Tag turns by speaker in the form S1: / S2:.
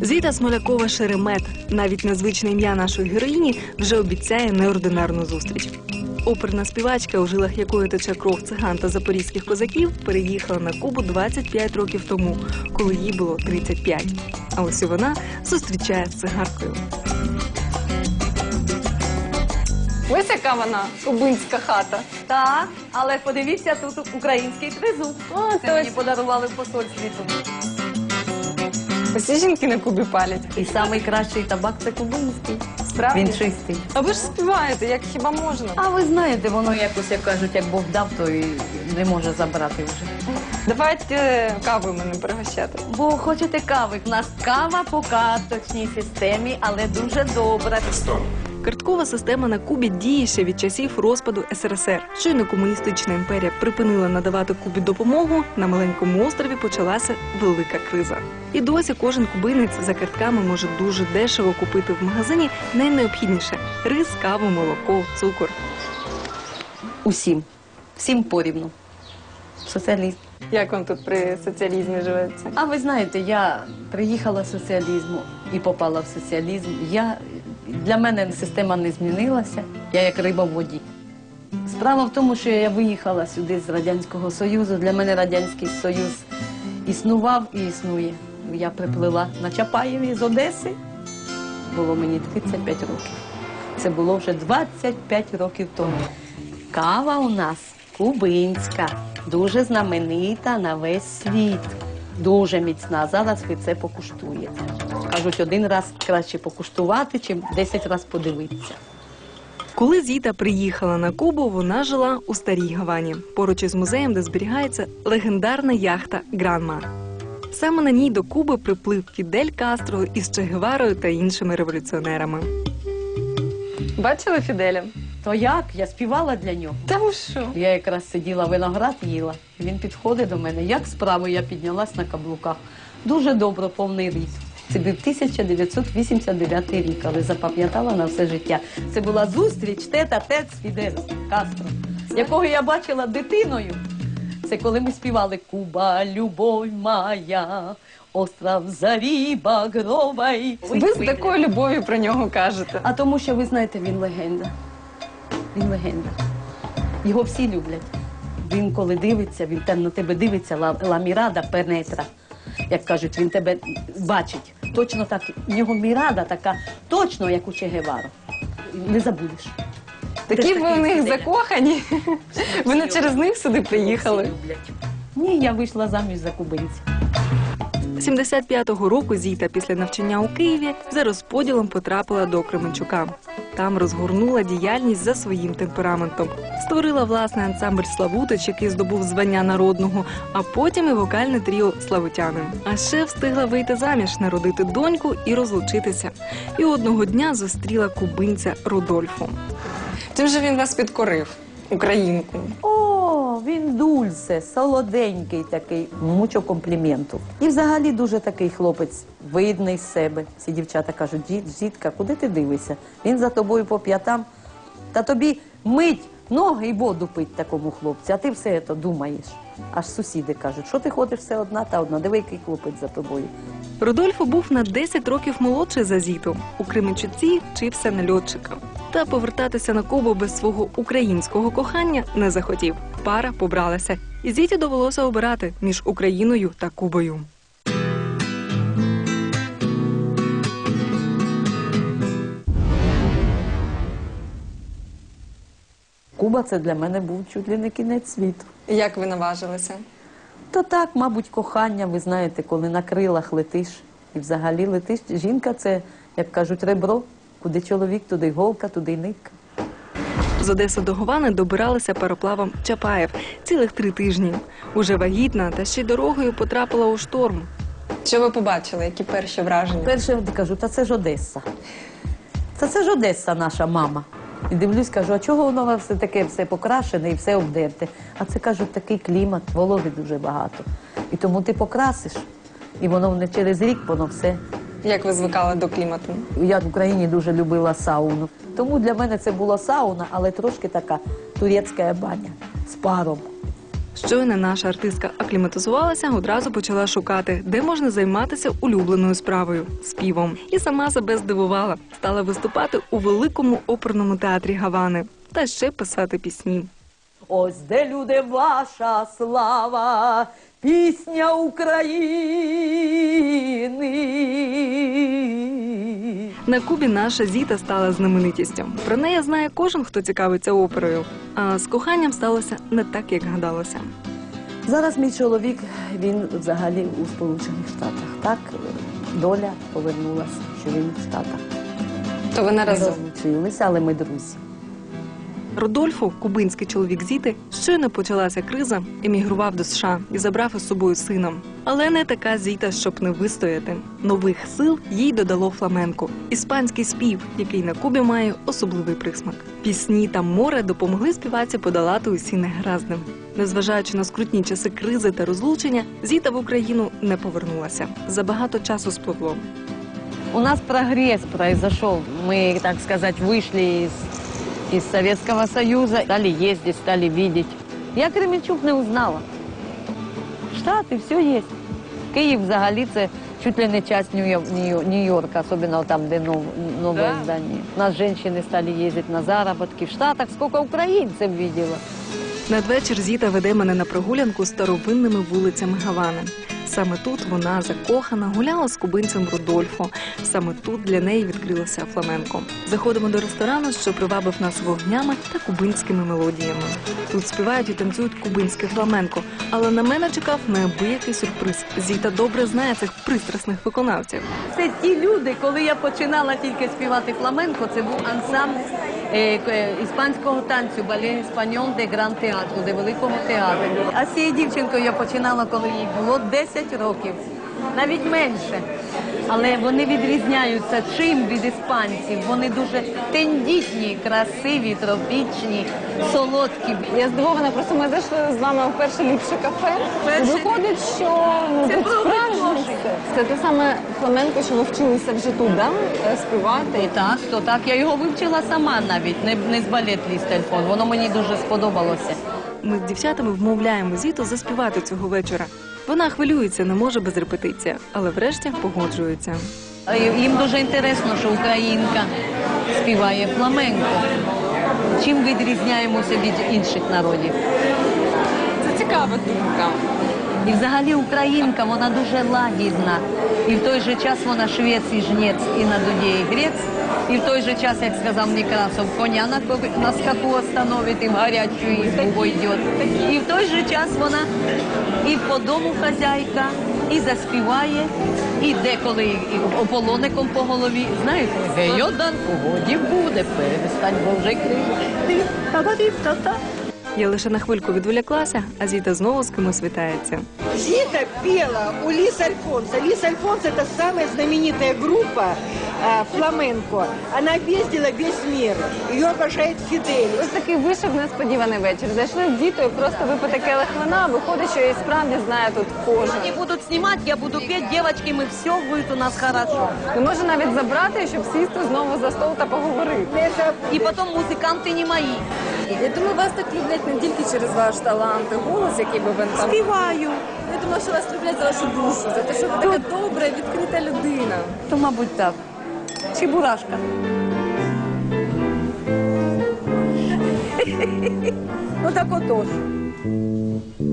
S1: Зіта Смолякова-Шеремет, навіть незвичне ім'я нашої героїні, вже обіцяє неординарну зустріч. Оперна співачка, у жилах якої тече кров циган та запорізьких козаків, переїхала на Кубу 25 років тому, коли їй було 35. А ось і вона зустрічає з цигаркою.
S2: Ось яка вона, кубинська хата.
S3: Так, але подивіться, тут український тризуб. Це мені подарували в посольстві тут.
S2: Усі жінки на Кубі палять.
S3: І найкращий табак – це кубинський.
S2: Справді?
S3: Він чистий.
S2: А ви ж співаєте, як хіба можна?
S3: А ви знаєте, воно якось, як кажуть, як Бог дав, то і не може забрати вже.
S2: Давайте каву мене пригощати.
S3: Бо хочете кави? У нас кава по карточній системі, але дуже добра.
S1: Карткова система на Кубі діє ще від часів розпаду СРСР. Щойно комуністична імперія припинила надавати Кубі допомогу, на маленькому острові почалася велика криза. І досі кожен кубинець за картками може дуже дешево купити в магазині найнеобхідніше – рис, каву, молоко, цукор.
S3: Усім. Всім порівну. Соціалізм.
S2: Як вам тут при соціалізмі живеться?
S3: А ви знаєте, я приїхала з соціалізму і попала в соціалізм. Для мене система не змінилася, я як риба в воді. Справа в тому, що я виїхала сюди з Радянського Союзу. Для мене Радянський Союз існував і існує. Я приплила на Чапаєві з Одеси. Було мені 35 років. Це було вже 25 років тому. Кава у нас кубинська, дуже знаменита на весь світ. Дуже міцна. Зараз ви це покуштуєте. Кажуть, один раз краще покуштувати, чим 10 разів подивитися.
S1: Коли Зіта приїхала на Кубу, вона жила у Старій Гавані, поруч із музеєм, де зберігається легендарна яхта «Гранма». Саме на ній до Куби приплив Фідель Кастро із Че Геварою та іншими революціонерами.
S2: Бачили Фіделя?
S3: То як? Я співала для нього.
S2: Та ви що?
S3: Я якраз сиділа, виноград їла. Він підходить до мене. Як справи? Я піднялась на каблуках. Дуже добре, повний ріст. Це був 1989 рік, але запам'ятала на все життя. Це була зустріч тет-а-тет з Фіделем Кастро, якого я бачила дитиною. Це коли ми співали «Куба, любов моя, остров зарі багровий».
S2: Ви з такою любов'ю про нього кажете.
S3: А тому, що, ви знаєте, він легенда. Він легенда. Його всі люблять. Він, коли дивиться, він там на тебе дивиться, ла мірада пенетра. Як кажуть, він тебе бачить. Точно так. У нього мірада така, точно, як у Че Гевара. Не забудеш.
S2: Такі ви в них закохані. Ви не через них сюди приїхали?
S3: Всі люблять. Ні, я вийшла заміж за кубинців.
S1: 75-го року Зіта після навчання у Києві за розподілом потрапила до Кременчука. Там розгорнула діяльність за своїм темпераментом. Створила власний ансамбль «Славутич», який здобув звання народного, а потім і вокальне тріо «Славутяни». А ще встигла вийти заміж, народити доньку і розлучитися. І одного дня зустріла кубинця Рудольфо.
S2: Чим же він вас підкорив, українку?
S3: О, він дульсе, солоденький такий, мучо компліменту. І взагалі дуже такий хлопець, видний з себе. Всі дівчата кажуть, дітка, куди ти дивишся? Він за тобою по п'ятам. Та тобі мить ноги і воду пить такому хлопцю, а ти все це думаєш. Аж сусіди кажуть, що ти ходиш все одна та одна, диви, який хлопець за тобою.
S1: Рудольфо був на 10 років молодший за Зіту. У Кременчуці вчився на льотчика. Та повертатися на Кубу без свого українського кохання не захотів. Пара побралася. І Зіті довелося обирати між Україною та Кубою.
S3: Куба – це для мене був чуть ли не кінець світу.
S2: Як ви наважилися?
S3: То так, мабуть, кохання, ви знаєте, коли на крилах летиш і взагалі летиш. Жінка – це, як кажуть, ребро. Куди чоловік, туди й голка, туди й нитка.
S1: З Одеси до Гавани добиралися пароплавом Чапаєв цілих 3 тижні. Уже вагітна, та ще й дорогою потрапила у шторм.
S2: Що ви побачили? Які перші враження?
S3: Перше кажу, та це ж Одеса. Це ж Одеса, наша мама. І дивлюсь, кажу, а чого воно все таке все покрашене і все обдерте? А це, кажуть, такий клімат, вологи дуже багато. І тому ти покрасиш, і воно не через рік, воно все.
S2: Як ви звикали до клімату?
S3: Я в Україні дуже любила сауну. Тому для мене це була сауна, але трошки така турецька баня з паром.
S1: Щойно наша артистка акліматизувалася, одразу почала шукати, де можна займатися улюбленою справою – співом. І сама себе здивувала. Стала виступати у великому оперному театрі Гавани та ще писати пісні.
S3: Ось де, люди, ваша слава, пісня України.
S1: На Кубі наша Зіта стала знаменитістю. Про неї знає кожен, хто цікавиться оперою. А з коханням сталося не так, як гадалося.
S3: Зараз мій чоловік, він взагалі у Сполучених Штатах. Так, доля повернулася, що він в Штатах.
S2: То ви не
S3: Ми
S2: разом.
S3: розлучилися, але ми друзі.
S1: Родольфо, кубинський чоловік Зіти, щойно почалася криза, емігрував до США і забрав із собою сина. Але не така Зіта, щоб не вистояти. Нових сил їй додало фламенко – іспанський спів, який на Кубі має особливий присмак. Пісні та море допомогли співаці подолати усі негаразди. Незважаючи на скрутні часи кризи та розлучення, Зіта в Україну не повернулася. Забагато часу спливло.
S3: У нас прогресс произошел. Мы, так сказать, вышли из Советского Союза, стали ездить, стали видеть. Я Кременчук не узнала. Штаты, все есть. Київ взагалі це чуть ли не часть Нью-Йорка, особенно там, де новое здание. У нас женщины стали ездить на заработки. В Штатах сколько украинцев видела.
S1: Надвечір Зіта веде мене на прогулянку старовинними вулицями Гавани. Саме тут вона, закохана, гуляла з кубинцем Родольфо. Саме тут для неї відкрилося фламенко. Заходимо до ресторану, що привабив нас вогнями та кубинськими мелодіями. Тут співають і танцюють кубинське фламенко, але на мене чекав неабиякий сюрприз. Зіта добре знає цих пристрасних виконавців.
S3: Це ті люди, коли я починала тільки співати фламенко, це був ансамбль іспанського танцю «Балет Еспаньол де Гран Театру», де Великого театру. А з цією дівчинкою я починала, коли їй було 10 років, навіть менше. Але вони відрізняються чим від іспанців. Вони дуже тендітні, красиві, тропічні, солодкі.
S2: Я здивована, просто ми зайшли з вами у перше ліпше кафе. Виходить, що
S3: Це
S2: тут
S3: про
S2: справжнє
S3: гроші.
S2: все. Це те саме фламенко, що ви вчилися вже тут, да? Співати.
S3: То так, я його вивчила сама навіть, не з балет-ліст телефон. Воно мені дуже сподобалося.
S1: Ми з дівчатами вмовляємо Зіту заспівати цього вечора. Вона хвилюється, не може без репетиції, але врешті погоджується.
S3: Їм дуже інтересно, що українка співає фламенко. Чим відрізняємося від інших народів?
S2: Це цікава думка.
S3: І взагалі українка, вона дуже лагідна. І в той же час вона швець і жнець, і на дуді і грець. І в той же час, як сказав Некрасов, коня на скаку остановить, і в гарячу избу йде. І в той же час вона і по дому хазяйка, і заспіває, і деколи і ополоником по голові. Знаєте, гейодан, погоді буде, перестань, бо вже кричить. Та-та-та-та.
S1: Я лише на хвильку відволіклася, а Зіта знову з кимось вітається.
S4: Зита пела у Лис Альфонса. Лис Альфонс – это самая знаменитая группа фламенко. Она объездила весь мир. Ее обожает Фидель.
S2: Ось такий вийшов несподіваний вечір. Зайшли з дітою просто випити келих вина, виходить, що і справді знає тут кожен.
S3: Они будут снимать, я буду петь, девочки, мы все будет у нас хорошо.
S2: І може навіть забрати, щоб сісти знову за стол та поговорити.
S4: Это
S3: И потом музыканты не мои.
S2: Я думаю, вас так люблять не тільки через ваш талант і голос, який би ви там...
S3: Співаю.
S2: Я думаю, що вас люблять за вашу душу, за те, що ви така добра, відкрита людина.
S3: То, мабуть, так. Чебурашка. Ну так отож.